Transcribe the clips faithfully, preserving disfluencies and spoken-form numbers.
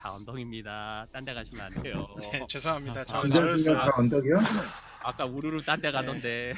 다 언덕입니다. 딴 데 가시면 안 돼요. 네, 죄송합니다. 저 아, 저였어요. 언덕이요? 언덕이요? 아까 우르르 딴 데 가던데.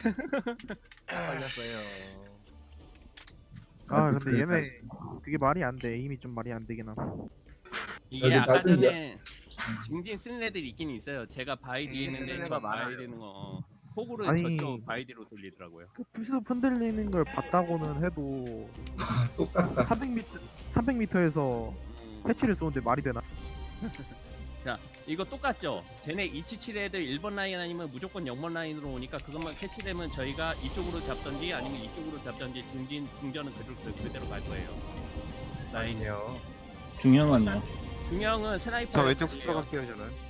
걸렸어요. 아 근데 얘네 그게 말이 안 돼. 이미 좀 말이 안 되긴 함. 이게 여기 아까 낮은 전에 증진 쓰는 애들이 있긴 있어요. 제가 바이 뒤에 있는데 쓰는 저 애가 많아요. 바이 되는 거 어. 호구를 아니. 저쪽 바이 뒤로 돌리더라고요. 그 풀숲 흔들리는 걸 봤다고는 해도 똑같다. 삼백 미터 삼백 미터에서 음. 패치를 쏘는데 말이 되나? 자, 이거 똑같죠? 쟤네 이칠칠 애들 일 번 라인 아니면 무조건 영 번 라인으로 오니까 그것만 캐치되면 저희가 이쪽으로 잡던지 아니면 이쪽으로 잡던지 중진, 중전은 그대로, 그대로 갈 거예요. 라인이요. 중형은요? 중형은 스나이퍼. 저 왼쪽 스프로 갈게요 저는.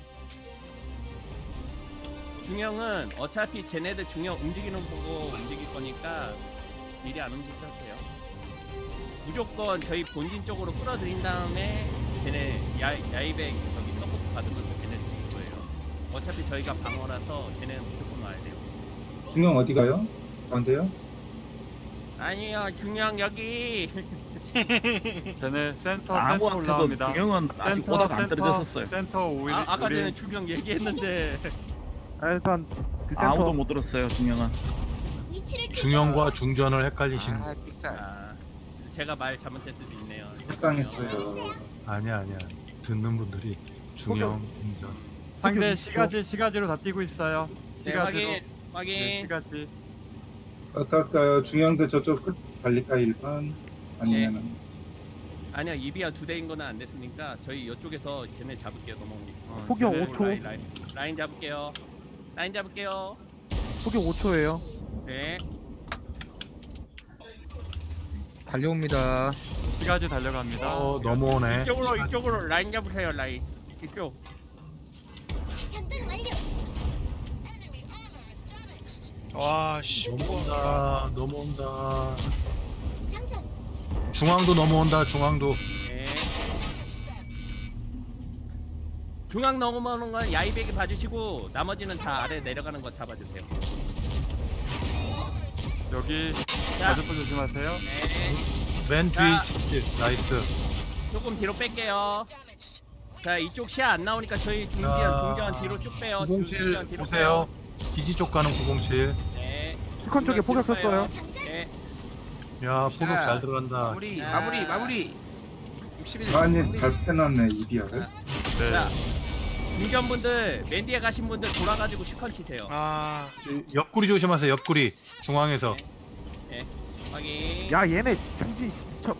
중형은 어차피 쟤네들 중형 움직이는 거 보고 움직일 거니까 미리 안 움직여주세요. 무조건 저희 본진 쪽으로 끌어들인 다음에 쟤네 야, 야이백 저기 서포트 받으면서 쟤네 죽일 거예요. 어차피 저희가 방어라서 쟤네는 무조건 와야 돼요. 중형 어디 가요? 가운데요? 아니요, 중형 여기. 쟤네 센터 센터 아무한테도 올라옵니다. 중형은 아직 센터 보다가 안 센터 떨어졌었어요. 센터 오일 아, 아까 전에 우리 중형 얘기했는데. 아, 일단 그 센터 아무도 못 들었어요 중형은. 중형과 중전을 헷갈리신 아 삑살. 아, 제가 말 잘못했을 수도 있네요. 식당했어요. 아니야 아니야 듣는 분들이 중형 중전 상대 여기 시가지 시가지로 다 뛰고 있어요. 네, 시가지로. 확인, 확인. 네, 시가지. 어떨까요? 중형도 저쪽 끝 달릴까 일 번? 아니면은 아니야, 이비아 두 대인 거는 안 됐으니까 저희 이쪽에서 쟤네 잡을게요. 넘어오니까. 어, 포격 쟤네 오 초. 라인, 라인, 라인 잡을게요. 라인 잡을게요. 포격 오 초예요. 네. 달려옵니다. 시가지 달려갑니다. 어 넘어오네. 이쪽으로 이쪽으로 라인 잡으세요. 라인 이쪽. 와, 씨. 넘어온다 넘어온다. 중앙도 넘어온다 중앙도. 네. 중앙 넘어오는 건 야이백이 봐주시고 나머지는 다 아래 내려가는 거 잡아주세요. 여기 자, 자주포 조심하세요. 네. 맨 자. 뒤에 나이스. 조금 뒤로 뺄게요. 자, 이쪽 시야 안 나오니까 저희 중지연 자, 중지연 뒤로 쭉 빼요. 구공칠 중지연 뒤로 보세요. 기지 쪽 가는 구공칠. 빼요. 네. 스컨 쪽에 포격 뒤로 빼요. 썼어요. 네. 야 포격 잘 들어간다. 마무리 자. 마무리 마무리. 육십일. 사안님 잘 빼놨네 이비아를. 네. 자, 중전분들 맨 뒤에 가신 분들 돌아가지고 슈컨 치세요. 아, 옆구리 조심하세요. 옆구리 중앙에서. 확인. 야 얘네 장진 저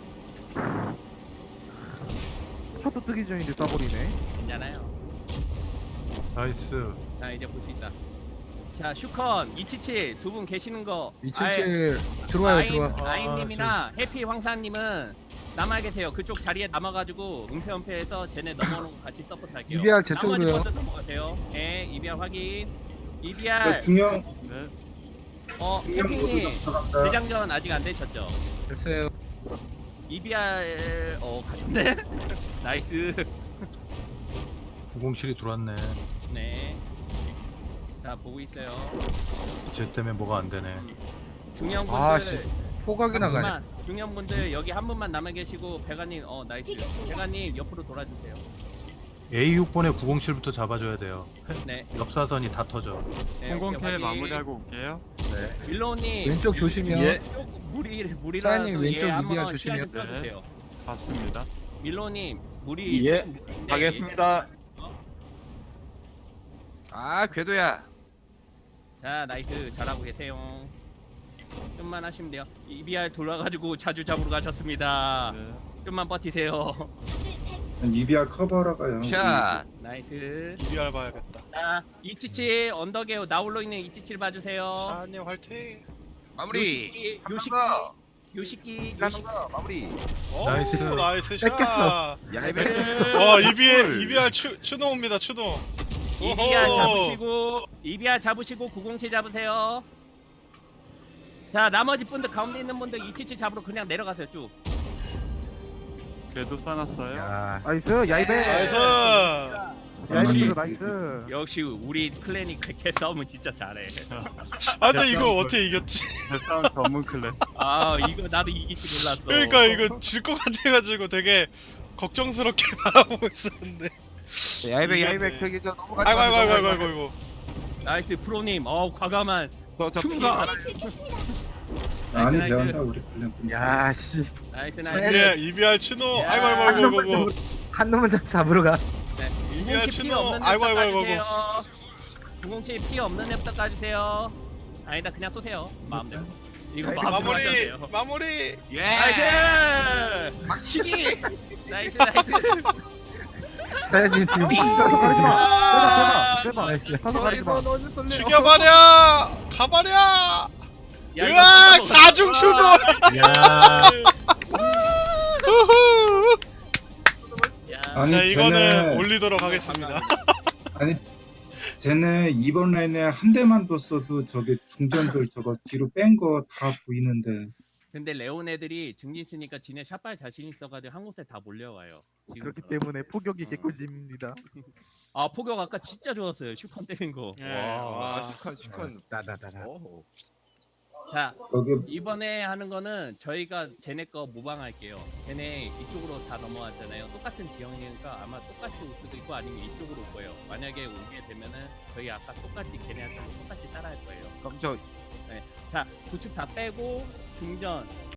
셔터 뜨기 전인데 쏴버리네. 괜찮아요. 나이스. 자, 이제 볼 수 있다. 자, 슈컨 이칠칠 두 분 계시는 거. 이칠칠 들어와요 아인, 들어와. 아인님이나 해피 황사님은 남아 계세요. 그쪽 자리에 남아가지고 은폐 은폐해서 쟤네 넘어오는 거 같이 서포트 할게요. 이비알 제 나머지 쪽으로요. 먼저 넘어가세요. 네, 이비알 확인. 저 이비알. 중형 네. 어, 중형 모두 해피님 들어간다. 재장전 아직 안 되셨죠? 됐어요. 이비알 어 가셨네. 나이스. 구공칠이 들어왔네. 네. 자, 보고 있어요. 쟤 때문에 뭐가 안 되네. 중형분들 아, 씨. 포각이 한 나가네. 분만, 중형분들 여기 한 분만 남아 계시고 배가님 어 나이스. 배가님 옆으로 돌아주세요. 에이 육 번에 구공칠부터 잡아줘야 돼요. 네. 옆사선이 다 터져. 네, 공공 오케이, K 확인. 마무리하고 올게요. 밀로님 왼쪽 조심이요. 예. 물이 물이라도 사장님, 왼쪽 예, 한번 이비알 시야 좀 조심해요. 펴주세요. 봤습니다. 밀로님 물이 예, 조금 물인데 가겠습니다. 아 궤도야. 자, 나이스. 잘하고 계세요. 좀만 하시면 돼요. 이비알 돌아가지고 자주 잡으러 가셨습니다. 네. 좀만 버티세요. 이비아 커버러 가요. 샷. 나이스. 이비알 봐야겠다. 자, 이칠칠 언덕에 나홀로 있는 이칠칠 봐주세요. 샤님 화이팅. 마무리. 요식기, 거. 요식기, 가는 요식기. 거 마무리. 오, 나이스. 나이스 샷. 뺏겼어. 야 이거 뺏겼어. 와, 이비알 이비알 추 추노입니다. 추노. 이비알 오호. 잡으시고, 이비알 잡으시고 구공칠 잡으세요. 자, 나머지 분들 가운데 있는 분들 이칠칠 잡으러 그냥 내려가세요 쭉. 궤도 싸놨어요. 야. 나이스 야이백. 나이스. 야이백 나이스. 역시 우리 클랜이 그렇게 싸우면 진짜 잘해. 아, 근데 이거 어떻게 이겼지? 대싸움 전문 클랜. 아, 이거 나도 이길 줄 몰랐어. 그러니까 이거 질 것 같아가지고 되게 걱정스럽게 바라보고 있었는데. 야이백 이겼네. 야이백 저기 저 넘어가지 아이고 아이고 마, 아이고 넘어가지 아이고 마. 아이고. 나이스 프로님. 어 과감한 저, 저 춤가. 많이 나이스, 배운다 우리 클랜 분들. 야, 씨. 나이스 이비알 나이스. 이비알 추노. 야. 아이고 아이고 한 아이고 놈만 아이고. 잡- 한 놈만 잡- 잡으러 가. 네. 이비알 구공칠 피 추노. 없는 아이고 랩부터 아이고 아이고 까주세요. 아이고. 구공칠 피 없는 랩부터 까주세요. 아니다 그냥 쏘세요. 마음대로. 이거 마음대로 마무리 하셔도 돼요. 마무리. 예. 나이스. 막치기. 나이스 나이스. 사장님 지금 아, 빼봐. 나이스. 사서 가리지 마. 너 어디 쏠래? 죽여버려. 가버려. 야, 이거 으악 진짜 사중 와. 추노. 야. 후후. 야. 아니, 자 이거는 쟤네- 올리도록 하겠습니다. 아니 쟤네 이번 라인에 한 대만 뒀어도 저게 중전들 저거 뒤로 뺀 거 다 보이는데 근데 레온 애들이 증진 쓰니까 지네 샷발 자신 있어가지고 한 곳에 다 몰려와요. 지금. 그렇기 때문에 포격이 개꿀잼입니다. 아 포격 아까 진짜 좋았어요. 슈컨 때린 거. 예, 와, 와. 시컨 시컨. 나나나나. 오. 자 거기 이번에 하는 거는 저희가 쟤네 거 모방할게요. 쟤네 이쪽으로 다 넘어왔잖아요. 똑같은 지형이니까 아마 똑같이 올 수도 있고 아니면 이쪽으로 올 거예요. 만약에 오게 되면은 저희 아까 똑같이 걔네한테 똑같이 따라할 거예요. 그럼 저 자 구축 다 빼고 중전